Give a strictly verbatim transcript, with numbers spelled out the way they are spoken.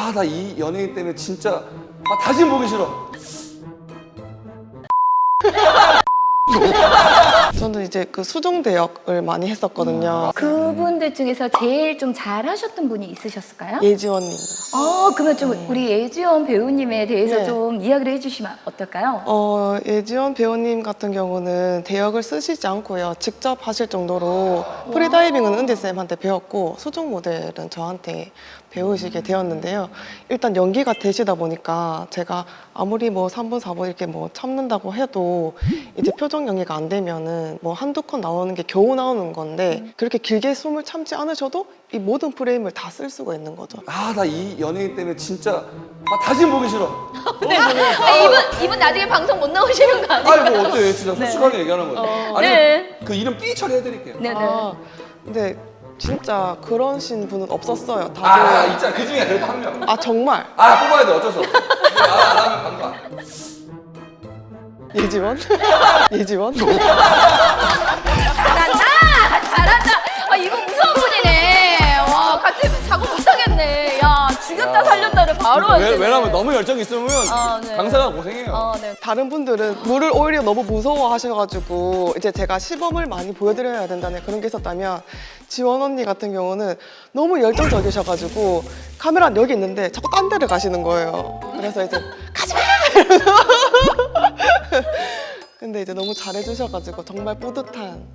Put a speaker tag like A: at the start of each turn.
A: 아, 나 이 연예인 때문에 진짜 아, 다시 보기 싫어.
B: 저는 이제 그 수중대역을 많이 했었거든요.
C: 그분들 중에서 제일 좀 잘하셨던 분이 있으셨을까요?
B: 예지원님.
C: 어, 그러면 좀 우리 예지원 배우님에 대해서
B: 네.
C: 좀 이야기를 해주시면 어떨까요?
B: 어, 예지원 배우님 같은 경우는 대역을 쓰시지 않고요. 직접 하실 정도로 프리다이빙은 은지쌤한테 배웠고 수중 모델은 저한테 배우시게 되었는데요. 일단 연기가 되시다 보니까 제가 아무리 뭐 삼 분, 사 분 이렇게 뭐 참는다고 해도 이제 표정 연기가 안 되면은 뭐 한두 컷 나오는 게 겨우 나오는 건데 그렇게 길게 숨을 참지 않으셔도 이 모든 프레임을 다 쓸 수가 있는 거죠.
A: 아, 나 이 연예인 때문에 진짜 아, 다시 보기 싫어.
C: 네. 아, 이분, 이분 나중에 방송 못 나오시는 거 아니에요?
A: 아이고 어때요? 진짜 솔직하게 얘기하는 거죠. 아니
C: 네.
A: 그 이름 삐 처리해드릴게요.
C: 네네.
B: 아, 근데 진짜 그러신 분은 없었어요. 다들.
A: 아, 있잖아. 그 중에 그래도 한 명.
B: 아, 정말?
A: 아, 뽑아야 돼. 어쩔 수 없어. 아, 나면 반가.
B: 예지원? 예지원?
C: 잘한다! 잘한다! 아, 이분 무서운 분이네. 와, 같이 자고 못하겠네. 야, 죽였다 살렸다를 바로
A: 왜,
C: 하시네.
A: 왜냐면 너무 열정이 있으면
C: 아, 네.
A: 강사가 고생해요.
C: 어, 네.
B: 다른 분들은 물을 오히려 너무 무서워 하셔가지고 이제 제가 시범을 많이 보여드려야 된다는 그런 게 있었다면 지원 언니 같은 경우는 너무 열정적이셔가지고 카메라는 여기 있는데 자꾸 딴 데를 가시는 거예요. 그래서 이제 가지마! 이러면서 근데 이제 너무 잘해주셔가지고 정말 뿌듯한